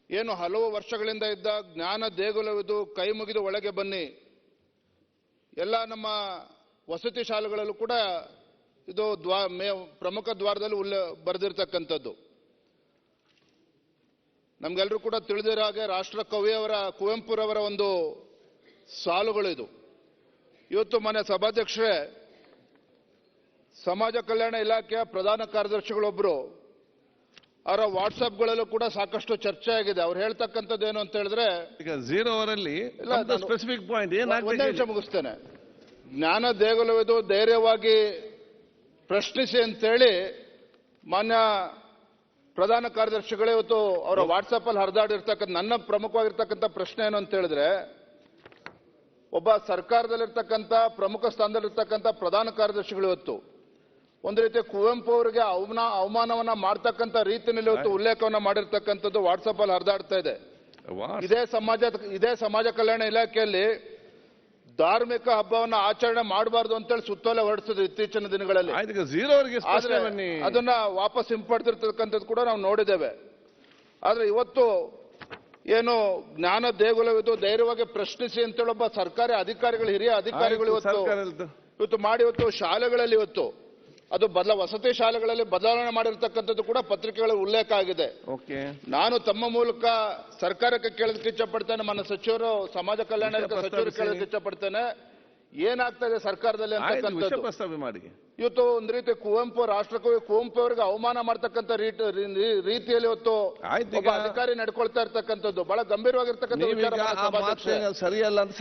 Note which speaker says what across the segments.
Speaker 1: ಏನು ಹಲವು ವರ್ಷಗಳಿಂದ ಇದ್ದ ಜ್ಞಾನ ದೇಗುಲವಿದು ಕೈ ಮುಗಿದು ಒಳಗೆ ಬನ್ನಿ, ಎಲ್ಲ ನಮ್ಮ ವಸತಿ ಶಾಲೆಗಳಲ್ಲೂ ಕೂಡ ಇದು ಪ್ರಮುಖ ದ್ವಾರದಲ್ಲಿ ಬರೆದಿರ್ತಕ್ಕಂಥದ್ದು. ನಮ್ಗೆಲ್ಲರೂ ಕೂಡ ತಿಳಿದಿರೋ ಹಾಗೆ ರಾಷ್ಟ್ರ ಕವಿಯವರ ಕುವೆಂಪುರವರ ಒಂದು ಸಾಲುಗಳು ಇದು. ಇವತ್ತು ಮನೆ ಸಭಾಧ್ಯಕ್ಷರೇ, ಸಮಾಜ ಕಲ್ಯಾಣ ಇಲಾಖೆಯ ಪ್ರಧಾನ ಕಾರ್ಯದರ್ಶಿಗಳೊಬ್ಬರು ಅವರ ವಾಟ್ಸ್ಆಪ್ಗಳಲ್ಲೂ ಕೂಡ ಸಾಕಷ್ಟು ಚರ್ಚೆ ಆಗಿದೆ. ಅವ್ರು ಹೇಳ್ತಕ್ಕಂಥದ್ದು ಏನು ಅಂತ ಹೇಳಿದ್ರೆ,
Speaker 2: ಈಗ 0 ಅವರಲ್ಲಿ ಸ್ಪೆಸಿಫಿಕ್ ಪಾಯಿಂಟ್
Speaker 1: ಒಂದೇ ನಿಮಿಷ ಮುಗಿಸ್ತೇನೆ. ಜ್ಞಾನ ದೇಗುಲವಿದು ಧೈರ್ಯವಾಗಿ ಪ್ರಶ್ನಿಸಿ ಅಂತೇಳಿ ಮಾನ್ಯ ಪ್ರಧಾನ ಕಾರ್ಯದರ್ಶಿಗಳೇ ಇವತ್ತು ಅವರ ವಾಟ್ಸಪ್ ಅಲ್ಲಿ ಹರಿದಾಡಿರ್ತಕ್ಕಂಥ ನನ್ನ ಪ್ರಮುಖವಾಗಿರ್ತಕ್ಕಂಥ ಪ್ರಶ್ನೆ ಏನು ಅಂತ ಹೇಳಿದ್ರೆ, ಒಬ್ಬ ಸರ್ಕಾರದಲ್ಲಿರ್ತಕ್ಕಂಥ ಪ್ರಮುಖ ಸ್ಥಾನದಲ್ಲಿರ್ತಕ್ಕಂಥ ಪ್ರಧಾನ ಕಾರ್ಯದರ್ಶಿಗಳು ಇವತ್ತು ಒಂದು ರೀತಿ ಕುವೆಂಪು ಅವರಿಗೆ ಅವಮಾನವನ್ನ ಮಾಡ್ತಕ್ಕಂಥ ರೀತಿಯಲ್ಲಿ ಇವತ್ತು ಉಲ್ಲೇಖವನ್ನ ಮಾಡಿರ್ತಕ್ಕಂಥದ್ದು ವಾಟ್ಸಪ್ ಅಲ್ಲಿ ಹರಿದಾಡ್ತಾ ಇದೆ. ಇದೇ ಸಮಾಜ ಕಲ್ಯಾಣ ಇಲಾಖೆಯಲ್ಲಿ ಧಾರ್ಮಿಕ ಹಬ್ಬವನ್ನ ಆಚರಣೆ ಮಾಡಬಾರ್ದು ಅಂತೇಳಿ ಸುತ್ತೋಲೆ ಹೊರಡಿಸಿದ್ರು ಇತ್ತೀಚಿನ ದಿನಗಳಲ್ಲಿ. ಅದನ್ನ ವಾಪಸ್ ಹಿಂಪಡೆದಿರ್ತಕ್ಕಂಥದ್ದು ಕೂಡ ನಾವು ನೋಡಿದ್ದೇವೆ. ಆದ್ರೆ ಇವತ್ತು ಏನು ಜ್ಞಾನ ದೇಗುಲವಿದು ಧೈರ್ಯವಾಗಿ ಪ್ರಶ್ನಿಸಿ ಅಂತೇಳಿ ಒಬ್ಬ ಸರ್ಕಾರಿ ಅಧಿಕಾರಿಗಳು, ಹಿರಿಯ ಅಧಿಕಾರಿಗಳು ಇವತ್ತು ಮಾಡಿ ಇವತ್ತು ಶಾಲೆಗಳಲ್ಲಿ ಇವತ್ತು ಅದು ವಸತಿ ಶಾಲೆಗಳಲ್ಲಿ ಬದಲಾವಣೆ ಮಾಡಿರ್ತಕ್ಕಂಥದ್ದು ಕೂಡ ಪತ್ರಿಕೆಗಳಲ್ಲಿ ಉಲ್ಲೇಖ ಆಗಿದೆ. ನಾನು ತಮ್ಮ ಮೂಲಕ ಸರ್ಕಾರಕ್ಕೆ ಕೇಳೋದಕ್ಕೆ ಇಚ್ಛಪಡ್ತೇನೆ, ನನ್ನ ಸಚಿವರು, ಸಮಾಜ ಕಲ್ಯಾಣ ಸಚಿವರು ಕೇಳೋದಕ್ಕೆ ಇಚ್ಛಪಡ್ತೇನೆ, ಏನಾಗ್ತಾ ಇದೆ ಸರ್ಕಾರದಲ್ಲಿ ಅಂತಕ್ಕಂಥದ್ದು. ಇವತ್ತು ಒಂದು ರೀತಿ ರಾಷ್ಟ್ರಕವಿ ಕುವೆಂಪು ಅವರಿಗೆ ಅವಮಾನ ಮಾಡ್ತಕ್ಕಂಥ ರೀತಿಯಲ್ಲಿ ಇವತ್ತು ಒಬ್ಬ ಅಧಿಕಾರಿ ನಡ್ಕೊಳ್ತಾ ಇರ್ತಕ್ಕಂಥದ್ದು ಬಹಳ ಗಂಭೀರವಾಗಿರ್ತಕ್ಕಂಥ
Speaker 2: ಸರಿಯಲ್ಲ ಅಂತ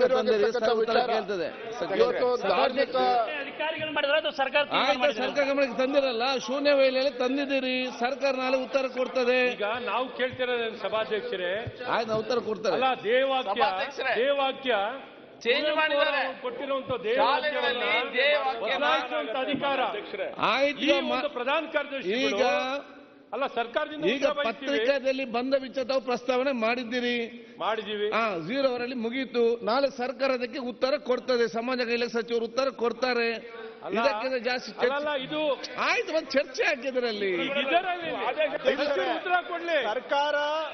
Speaker 1: ಇವತ್ತು ಧಾರ್ಮಿಕ
Speaker 3: ಸರ್ಕಾರ ಗಮನಕ್ಕೆ ತಂದಿರಲ್ಲ, ಶೂನ್ಯ ವೇಳೆಯಲ್ಲಿ ತಂದಿದ್ದೀರಿ, ಸರ್ಕಾರ ನಾಳೆ ಉತ್ತರ ಕೊಡ್ತದೆ.
Speaker 4: ಈಗ ನಾವು ಕೇಳ್ತಿರೋದೇನು ಸಭಾಧ್ಯಕ್ಷರೇ,
Speaker 3: ಆಯ್ತು ಉತ್ತರ ಕೊಡ್ತಾರೆ.
Speaker 4: ಅಲ್ಲ, ದೇವಾಕ್ಯ ಚೇಂಜ್ ಮಾಡಿದ್ದಾರೆ, ಕೊಟ್ಟಿರುವಂತ ಅಧಿಕಾರ ಆಯ್ತು ಪ್ರಧಾನ ಕಾರ್ಯದರ್ಶಿ.
Speaker 3: ಈಗ
Speaker 4: ಅಲ್ಲ, ಸರ್ಕಾರದಿಂದ
Speaker 3: ಈಗ ಪತ್ರಿಕಾದಲ್ಲಿ ಬಂದ ವಿಚಾರ ಪ್ರಸ್ತಾವನೆ ಮಾಡಿದ್ದೀರಿ,
Speaker 4: ಮಾಡಿದೀವಿ.
Speaker 3: 0 ಅವರಲ್ಲಿ ಮುಗೀತು. ನಾಳೆ ಸರ್ಕಾರ ಅದಕ್ಕೆ ಉತ್ತರ ಕೊಡ್ತದೆ, ಸಮಾಜ ಕಲ್ಯಾಣ ಸಚಿವರು ಉತ್ತರ ಕೊಡ್ತಾರೆ. ಇದಕ್ಕಿಂತ ಜಾಸ್ತಿ
Speaker 4: ಇದು
Speaker 3: ಆಯ್ತು, ಒಂದು ಚರ್ಚೆ ಹಾಕಿದ್ರಲ್ಲಿ
Speaker 4: ಉತ್ತರ ಕೊಡ್ಲಿ ಸರ್ಕಾರ.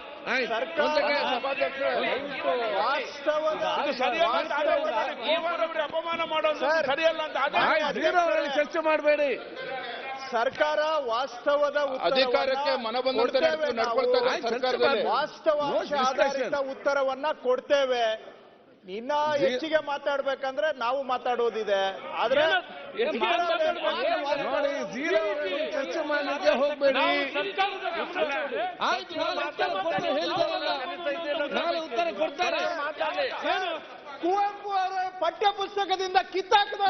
Speaker 4: ಅಪಮಾನ ಮಾಡೋದು ಸರಿಯಲ್ಲ ಅಂತ
Speaker 3: 0 ಅವರಲ್ಲಿ ಚರ್ಚೆ ಮಾಡಬೇಡಿ.
Speaker 5: ಸರ್ಕಾರ ವಾಸ್ತವದ
Speaker 1: ಅಧಿಕಾರಕ್ಕೆ ಮನಬಂದಂತೆ ನಡ್ಕೊಳ್ತಾರೆ.
Speaker 5: ವಾಸ್ತವಾಂಶ ಆಧಾರಿತ ಉತ್ತರವನ್ನ ಕೊಡ್ತೇವೆ. ಇನ್ನ ಹೆಚ್ಚಿಗೆ ಮಾತಾಡ್ಬೇಕಂದ್ರೆ ನಾವು ಮಾತಾಡೋದಿದೆ. ಆದ್ರೆ
Speaker 3: ಚರ್ಚೆ ಮಾಡಲಿಕ್ಕೆ ಹೋಗ್ಬೇಡಿ. ನಾಳೆ ಉತ್ತರ ಕೊಡ್ತಾರೆ.
Speaker 5: ಕುವೆಂಪು ಅವರ ಪಠ್ಯ ಪುಸ್ತಕದಿಂದ ಕಿತ್ತಾಕಿದ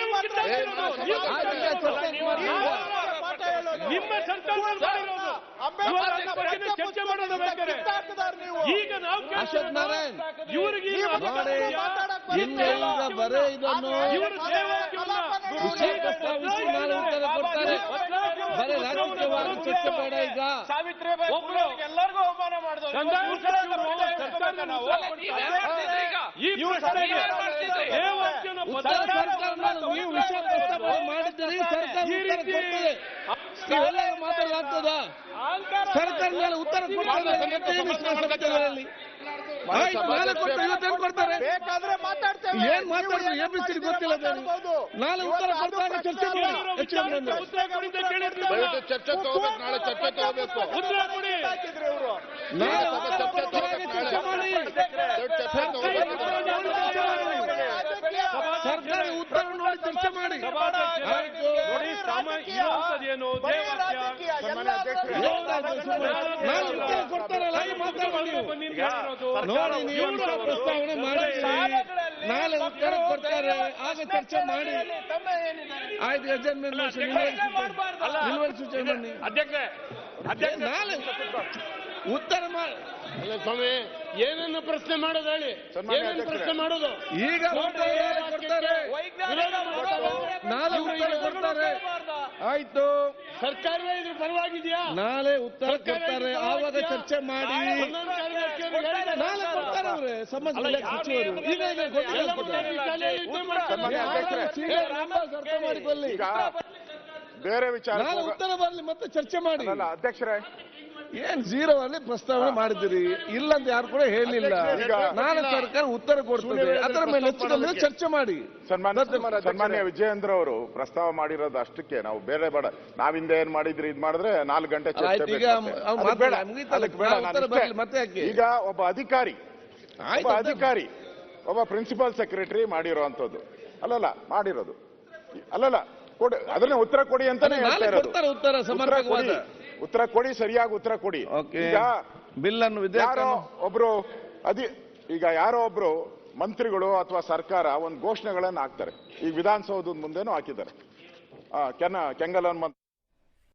Speaker 4: ನಿಮ್ಮ ಸರ್ಕಾರ ಚರ್ಚೆ ಮಾಡೋದು ಬೇಕಾದ್ರೆ ಈಗ ನಾವು
Speaker 3: ಅಶೋಕ್ ನಾರಾಯಣ್
Speaker 4: ಇವರಿಗೆ
Speaker 3: ಬರೇ ಇದನ್ನು ವಿಷಯ ಪ್ರಸ್ತಾವಿಸಿ ನಾಳೆ ಉತ್ತರ ಕೊಡ್ತಾರೆ. ಬರೇ ರಾಜಕೀಯವಾಗಿ ಚರ್ಚೆ ಬೇಡ. ಈಗ
Speaker 5: ಎಲ್ಲರಿಗೂ ಅವಮಾನ ಮಾಡಿದ್ರು.
Speaker 3: ನೀವು ವಿಷಯ ಪ್ರಸ್ತಾವನೆ ಮಾಡಿದ್ದೀರಿ, ಸರ್ಕಾರ ಉತ್ತರ ಕೊಡ್ತದೆ. ನೀವೆಲ್ಲ ಮಾತಾಡಲಾಗ್ತದ? ಸರ್ಕಾರ ಮೇಲೆ ಉತ್ತರ ಕೊಡ್ತಾರೆ. ನಾಳೆ ಕೊಡ್ತಾರೆ, ಇವತ್ತೇನು ಕೊಡ್ತಾರೆ? ಏನ್ ಮಾತಾಡಿದ್ರು ಎಬಿಸಿಡಿ ಗೊತ್ತಿಲ್ಲ. ನಾಳೆ ಉತ್ತರ ಕೊಡ್ತಾರೆ, ಚರ್ಚೆ ಮಾಡಿ.
Speaker 1: ಚರ್ಚೆ ತಗೋಬೇಕು, ನಾಳೆ ಚರ್ಚೆ ತಗೋಬೇಕು.
Speaker 3: ನಾಳೆ ಉತ್ತರ ಕೊಡ್ತಾರೆ, ಚರ್ಚೆ ಮಾಡಿ. ಸರ್ಕಾರ ಉತ್ತರ ನೋಡಿ ಚರ್ಚೆ ಮಾಡಿ. ನಾಳೆ ಉತ್ತರ ಕೊಡ್ತಾರಲ್ಲ, ಮಾತಾಡಿ ನೋಡಿ. ನೀವು ಪ್ರಸ್ತಾವನೆ ಮಾಡಿ, ನಾಳೆ ಉತ್ತರ ಕೊಡ್ತಾರೆ, ಆಗ ಚರ್ಚೆ ಮಾಡಿ. ಆಯ್ತು, ಅಜೆಂಡ್ ನಿಲುವಳಿ ಸೂಚನೆ ಬನ್ನಿ. ನಾಳೆ ಉತ್ತರ ಮಾಡಿ.
Speaker 4: ಸ್ವಾಮಿ, ಏನನ್ನು ಪ್ರಶ್ನೆ ಮಾಡೋದು ಹೇಳಿ, ಏನನ್ನು ಪ್ರಶ್ನೆ ಮಾಡೋದು?
Speaker 3: ಈಗ ಕೊಡ್ತಾರೆ, ನಾಳೆ ಉತ್ತರ ಕೊಡ್ತಾರೆ. ಆಯ್ತು,
Speaker 4: ಸರ್ಕಾರವೇ ಇದ್ರ ಪರವಾಗಿದೆಯಾ?
Speaker 3: ನಾಳೆ ಉತ್ತರ ಕೊಡ್ತಾರೆ, ಆವಾಗ ಚರ್ಚೆ ಮಾಡಿ. ನಾಳೆ ಕೊಡ್ತಾರೆ ಅವ್ರೆ ಸಮಾಜ ಸಚಿವರು. ಈಗ ಅರ್ಥ ಮಾಡಿಕೊಳ್ಳಿ.
Speaker 5: ಬೇರೆ ವಿಚಾರ
Speaker 3: ನಾಳೆ ಉತ್ತರ ಬರಲಿ, ಮತ್ತೆ ಚರ್ಚೆ ಮಾಡಿ.
Speaker 5: ಅಧ್ಯಕ್ಷರೇ,
Speaker 2: ಏನ್ ಜೀರೋ ಅಲ್ಲಿ ಪ್ರಸ್ತಾವನೆ ಮಾಡಿದಿರಿ ಇಲ್ಲ ಅಂತ ಯಾರು ಕೂಡ ಹೇಳಿಲ್ಲ. ನಾಳೆ ಸರ್ಕಾರ ಉತ್ತರ ಕೊಡ್ತದೆ, ಅದರ ಮೇಲೆ ಹೆಚ್ಚು ಕಮ್ಮಿ ಚರ್ಚೆ ಮಾಡಿ.
Speaker 6: ಸನ್ಮಾನ್ಯ ವಿಜಯೇಂದ್ರ ಅವರು ಪ್ರಸ್ತಾವ ಮಾಡಿರೋದು ಅಷ್ಟಕ್ಕೆ, ನಾವು ಬೇರೆ ಬೇಡ, ನಾವಿಂದ ಏನ್ ಮಾಡಿದ್ರಿ ಇದ್ ಮಾಡಿದ್ರೆ 4 ಗಂಟೆ ಚರ್ಚೆ
Speaker 2: ಈಗ
Speaker 6: ಬೇಕು.
Speaker 2: ಅವ್ರು
Speaker 6: ಅದಕ್ಕೆ ಬೇಡ,
Speaker 2: ಮುಗೀತಲ್ಲ,
Speaker 6: ಅದಕ್ಕೆ ಬೇಡ, ನಾನು
Speaker 2: ಉತ್ತರ
Speaker 6: ಇಷ್ಟೇ.
Speaker 2: ಬರ್ಲಿ, ಮತ್ತೆ ಯಾಕೆ?
Speaker 6: ಈಗ ಒಬ್ಬ ಅಧಿಕಾರಿ ಒಬ್ಬ ಪ್ರಿನ್ಸಿಪಲ್ ಸೆಕ್ರೆಟರಿ ಮಾಡಿರೋಂಥದ್ದು ಅಲ್ಲಲ್ಲ, ಮಾಡಿರೋದು ಅಲ್ಲಲ್ಲ, ಕೊಡಿ ಅದನ್ನ ಉತ್ತರ ಕೊಡಿ ಅಂತಾನೆ ಹೇಳ್ತಾ ಇರೋದು. ಉತ್ತರ ಕೊಡಿ, ಸರಿಯಾಗಿ ಉತ್ತರ ಕೊಡಿ. ಈಗ
Speaker 2: ಬಿಲ್ ಅನ್ನು
Speaker 6: ಯಾರೋ ಒಬ್ರು ಮಂತ್ರಿಗಳು ಅಥವಾ ಸರ್ಕಾರ ಒಂದು ಘೋಷಣೆಗಳನ್ನು ಹಾಕ್ತಾರೆ. ಈಗ ವಿಧಾನಸೌಧದ ಮುಂದೆನೂ ಹಾಕಿದ್ದಾರೆ. ಕೆಂಗಲ್ ಹನುಮಂತ